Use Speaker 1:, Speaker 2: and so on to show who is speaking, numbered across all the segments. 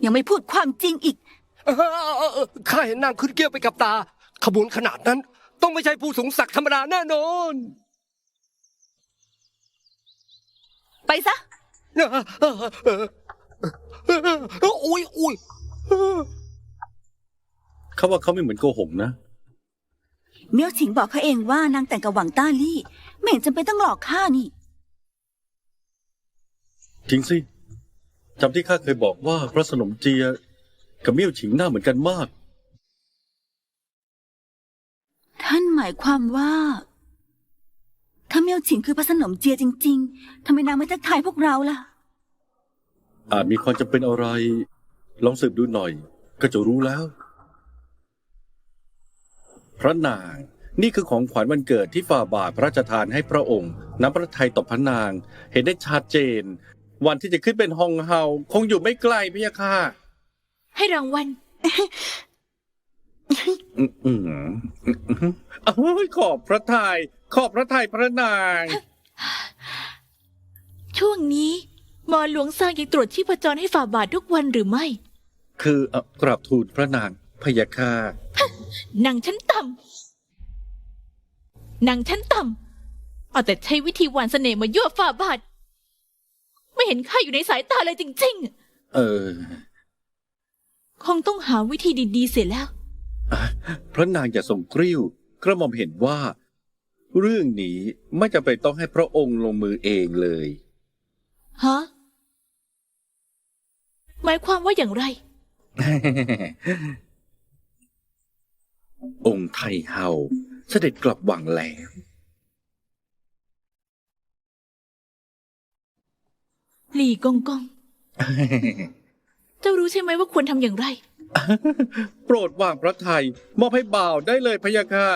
Speaker 1: ยังไม่พูดความจริงอีก
Speaker 2: ข้าเห็นนางขึ้นเกี้ยวไปกับตา ขบวนขนาดนั้น ต้องไม่ใช่ผู้สูงศักดิ์ธรรมดาแน่นอน
Speaker 1: ไปซะ
Speaker 2: อุ้ย
Speaker 3: เขาว่าเขาไม่เหมือนโกหกนะ
Speaker 1: เมียวฉิงบอกเขาเองว่านางแต่งกับหวังต้าลี่ไม่เห็นจำเป็นต้องหลอกข้านี่
Speaker 3: จริงสิจำที่ข้าเคยบอกว่าพระสนมเจียกับเมี่ยวฉิงหน้าเหมือนกันมาก
Speaker 1: ท่านหมายความว่าถ้าเมียวฉิงคือพระสนมเจียจริงๆทำไมนางไม่ทักทายพวกเราล่ะ
Speaker 3: อาจมีความจำเป็นอะไร ลองสืบดูหน่อย ก็จะรู้แล้ว พระนางนี่คือของขวัญวันเกิดที่ฝ่าบาทพระราชทานให้พระองค์น้ำพระทัยต่อพระนาง เห็นได้ชัดเจน วันที่จะขึ้นเป็นฮองเฮาคงอยู่ไม่ไกลพะยะค่ะ
Speaker 4: ให้รางวัล
Speaker 3: ขอบพระทยัยขอบพระทัยพระนาง
Speaker 4: ช่วงนี้หมอหลวงซางยังตรวจชีพจรให้ฝ่าบาททุกวันหรือไม่
Speaker 3: คือกราบทูลพระนางพะยะค่ะ
Speaker 4: นางชั้นต่ำนางชั้นต่ำเอาแต่ใช้วิธีหวานเสน่ห์มายั่วฝ่าบาท ไม่เห็นข้าอยู่ในสายตาเลยจริงๆ คงต้องหาวิธีดีๆเสียแล้ว
Speaker 3: พระนางอย่าทรงกริ้วกระหม่อมเห็นว่า เรื่องนี้ไม่จำเป็นต้องให้พระองค์ลงมือเองเลย
Speaker 4: ฮะ หมายความว่าอย่างไร
Speaker 3: องค์ไทเฮาเสด็จกลับวังแล้ว
Speaker 4: หลี่กงกง เจ้ารู้ใช่ไหมว่าควรทำอย่างไร
Speaker 3: โปรดวางพระทัยมอบให้บ่าวได้เลยพะยะค่ะ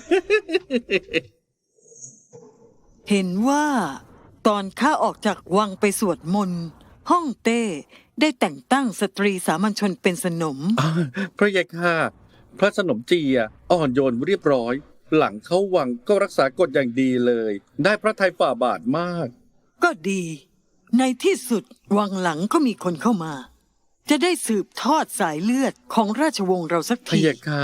Speaker 5: เห็นว่าตอนข้าออกจากวังไปสวดมนต์ฮ่องเต้ได้แต่งตั้งสตรีสามัญชนเป็นสนม
Speaker 3: พระยะค่ะพระสนมเจียอ่อนโยนเรียบร้อย หลังเข้าวังก็รักษากฎอย่างดีเลย ได้พระทัยฝ่าบาทมาก
Speaker 5: ก็ดี ในที่สุดวังหลังก็มีคนเข้ามา จะได้สืบทอดสายเลือดของราชวงศ์เราสัก
Speaker 3: พะ
Speaker 5: ที
Speaker 3: ยะค่ะ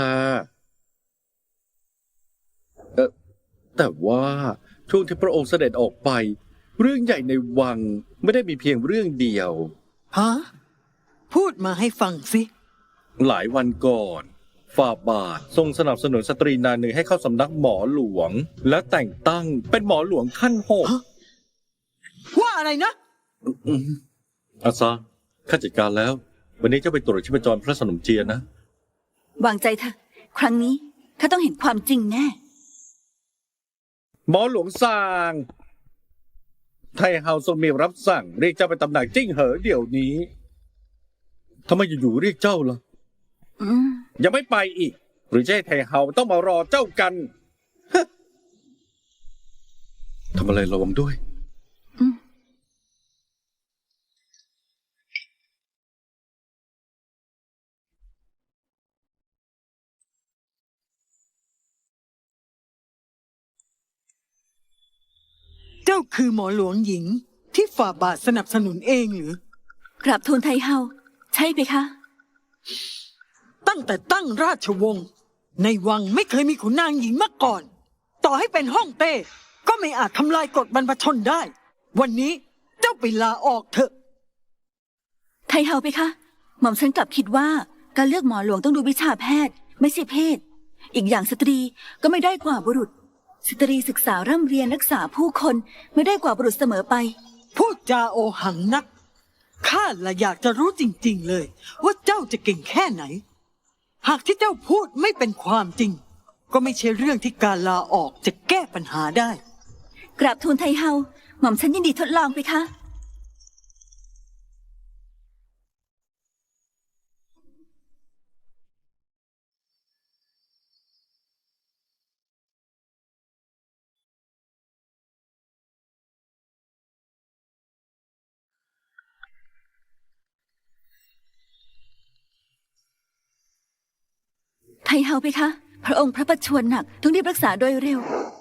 Speaker 3: แต่ว่าช่วงที่พระองค์เสด็จออกไป เรื่องใหญ่ในวังไม่ได้มีเพียงเรื่องเดียว
Speaker 5: ฮะ พูดมาให้ฟังสิ
Speaker 3: หลายวันก่อนฝ่าบาททรงสนับสนุนสตรีนางหนึ่งให้เข้าสำนักหมอหลวง และแต่งตั้งเป็นหมอหลวงขั้นหก
Speaker 5: ฮะ ว่าอะไรนะ
Speaker 3: อาซาข้าจัดการแล้ว วันนี้เจ้าไปตรวจชีพจรพระสนมเจียนะ
Speaker 1: วางใจเถอะครั้งนี้ข้าต้องเห็นความจริงแน่
Speaker 3: หมอหลวงซางไทเฮาทรงมีรับสั่งเรียกเจ้าไปตำหนักจิ้งเหอเดี๋ยวนี้ทำไมอยู่ๆเรียกเจ้าล่ะ ยังไม่ไปอีก หรือจะให้ไทเฮาต้องมารอเจ้ากันฮะทำอะไรระวังด้วย
Speaker 5: เจ้าคือหมอหลวงหญิงที่ฝ่าบาทสนับสนุนเองหรือ
Speaker 1: กราบทูลไทเฮาใช่ไหมคะ
Speaker 5: ตั้งแต่ตั้งราชวงศ์ในวังไม่เคยมีขุนนางหญิงมาก่อน ต่อให้เป็นฮ่องเต้ก็ไม่อาจทำลายกฎบรรพชนได้ วันนี้เจ้าไปลาออกเถอะ
Speaker 1: ไทเฮาไปคะหม่อมฉันกลับคิดว่าการเลือกหมอหลวงต้องดูวิชาแพทย์ ไม่ใช่เพศ อีกอย่างสตรีก็ไม่ได้กว่าบุรุษ สตรีศึกษาร่ำเรียนรักษาผู้คนไม่ได้กว่าบุรุษเสมอไป
Speaker 5: พูดจาโอหังนักข้าละอยากจะรู้จริงๆเลย ว่าเจ้าจะเก่งแค่ไหน หากที่เจ้าพูดไม่เป็นความจริง ก็ไม่ใช่เรื่องที่การลาออกจะแก้ปัญหาได้
Speaker 1: กราบทูลไทเฮาหม่อมฉันยินดีทดลองไปคะ ไทเฮาไปคะพระองค์พระประชวรหนักต้องรีบรักษาโดยเร็ว